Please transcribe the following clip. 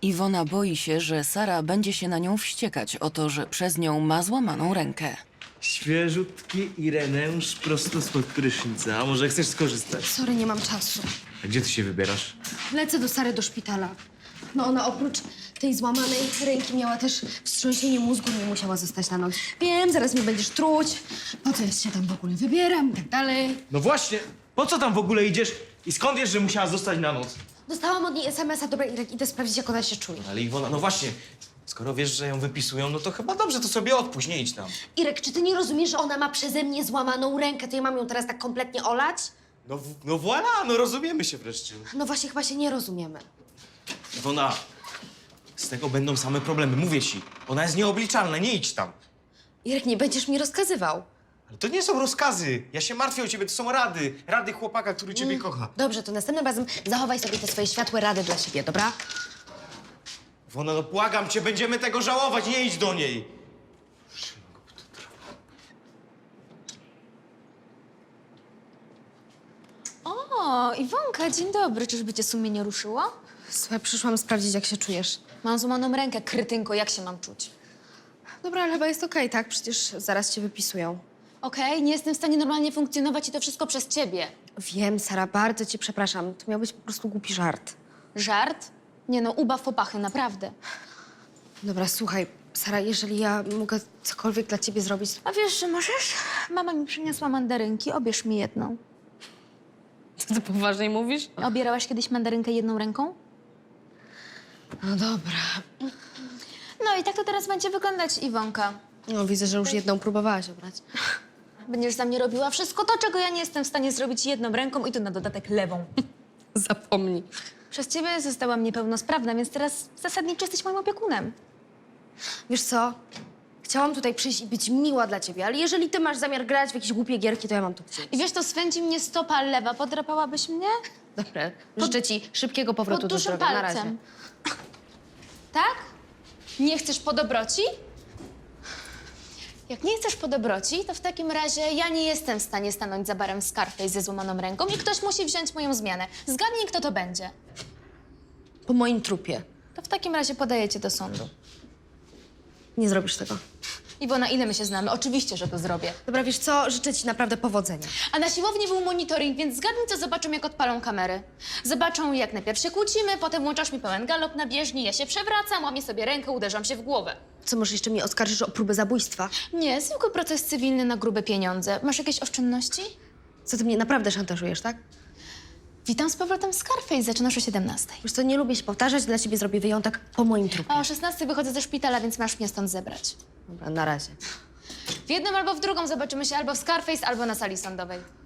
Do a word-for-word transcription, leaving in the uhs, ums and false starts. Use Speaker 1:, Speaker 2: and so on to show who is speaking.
Speaker 1: Iwona boi się, że Sara będzie się na nią wściekać o to, że przez nią ma złamaną rękę.
Speaker 2: Świeżutki Ireneusz prosto spod prysznica. A może chcesz skorzystać?
Speaker 3: Sorry, nie mam czasu.
Speaker 2: A gdzie ty się wybierasz?
Speaker 3: Lecę do Sary do szpitala. No ona oprócz tej złamanej ręki miała też wstrząsienie mózgu, nie musiała zostać na noc. Wiem, zaraz mnie będziesz truć. Po co ja się tam w ogóle wybieram i tak dalej.
Speaker 2: No właśnie, po co tam w ogóle idziesz i skąd wiesz, że musiała zostać na noc?
Speaker 3: Dostałam od niej es em es a, dobra Irek, idę sprawdzić, jak ona się czuje.
Speaker 2: Ale Iwona, no właśnie, skoro wiesz, że ją wypisują, no to chyba dobrze, to sobie odpuść, nie idź tam.
Speaker 3: Irek, czy ty nie rozumiesz, że ona ma przeze mnie złamaną rękę, to ja mam ją teraz tak kompletnie olać?
Speaker 2: No, w- no voilà, no rozumiemy się wreszcie.
Speaker 3: No właśnie, chyba się nie rozumiemy.
Speaker 2: Iwona, z tego będą same problemy, mówię ci. Ona jest nieobliczalna, nie idź tam.
Speaker 3: Irek, nie będziesz mi rozkazywał.
Speaker 2: Ale to nie są rozkazy, ja się martwię o ciebie, to są rady. Rady chłopaka, który ciebie kocha.
Speaker 3: Dobrze, to następnym razem zachowaj sobie te swoje światłe rady dla siebie, dobra?
Speaker 2: Iwona, no błagam cię, będziemy tego żałować, nie idź do niej.
Speaker 4: O, Iwonka, dzień dobry. Czyżby cię sumienie ruszyło?
Speaker 3: Słuchaj, przyszłam sprawdzić, jak się czujesz.
Speaker 4: Mam złamaną rękę, krytynko, jak się mam czuć?
Speaker 3: Dobra, ale chyba jest okej, tak? Przecież zaraz cię wypisują.
Speaker 4: Okej, nie jestem w stanie normalnie funkcjonować i to wszystko przez ciebie.
Speaker 3: Wiem, Sara, bardzo cię przepraszam. To miał być po prostu głupi żart.
Speaker 4: Żart? Nie no, ubaw popachy, naprawdę.
Speaker 3: Dobra, słuchaj, Sara, jeżeli ja mogę cokolwiek dla ciebie zrobić...
Speaker 4: A wiesz, że możesz? Mama mi przyniosła mandarynki, obierz mi jedną.
Speaker 3: Co ty poważnie mówisz?
Speaker 4: Obierałaś kiedyś mandarynkę jedną ręką?
Speaker 3: No dobra.
Speaker 4: No i tak to teraz będzie wyglądać, Iwonka.
Speaker 3: No, widzę, że już jedną próbowałaś obrać.
Speaker 4: Będziesz za mnie robiła wszystko to, czego ja nie jestem w stanie zrobić jedną ręką i to na dodatek lewą.
Speaker 3: Zapomnij.
Speaker 4: Przez ciebie zostałam niepełnosprawna, więc teraz zasadniczo jesteś moim opiekunem.
Speaker 3: Wiesz co? Chciałam tutaj przyjść i być miła dla ciebie, ale jeżeli ty masz zamiar grać w jakieś głupie gierki, to ja mam to gdzieś.
Speaker 4: I wiesz, to swędzi mnie stopa lewa. Podrapałabyś mnie?
Speaker 3: Dobra, życzę ci szybkiego powrotu
Speaker 4: Pod
Speaker 3: do
Speaker 4: dużym
Speaker 3: zdrowia. Na razie.
Speaker 4: palcem. Tak? Nie chcesz podobroci? Jak nie chcesz podobroci, to w takim razie ja nie jestem w stanie stanąć za barem Scarface ze złamaną ręką i ktoś musi wziąć moją zmianę. Zgadnij, kto to będzie.
Speaker 3: Po moim trupie.
Speaker 4: To w takim razie podaję cię do sądu.
Speaker 3: Nie zrobisz tego.
Speaker 4: Iwona, ile my się znamy? Oczywiście, że to zrobię.
Speaker 3: Dobra, wiesz co? Życzę ci naprawdę powodzenia.
Speaker 4: A na siłowni był monitoring, więc zgadnij, co zobaczą, jak odpalą kamery. Zobaczą, jak najpierw się kłócimy, potem włączasz mi pełen galop na bieżni, ja się przewracam, łamię sobie rękę, uderzam się w głowę.
Speaker 3: Co, może jeszcze mnie oskarżysz o próbę zabójstwa?
Speaker 4: Nie, zwykły proces cywilny na grube pieniądze. Masz jakieś oszczędności?
Speaker 3: Co, ty mnie naprawdę szantażujesz, tak?
Speaker 4: Witam z powrotem Scarface, zaczynasz o siedemnastej.
Speaker 3: Wiesz co, nie lubię się powtarzać, dla ciebie zrobię wyjątek po moim trupie.
Speaker 4: A o szesnastej wychodzę ze szpitala, więc masz mnie stąd zebrać.
Speaker 3: Dobra, na razie.
Speaker 4: W jedną albo w drugą zobaczymy się albo w Scarface, albo na sali sądowej.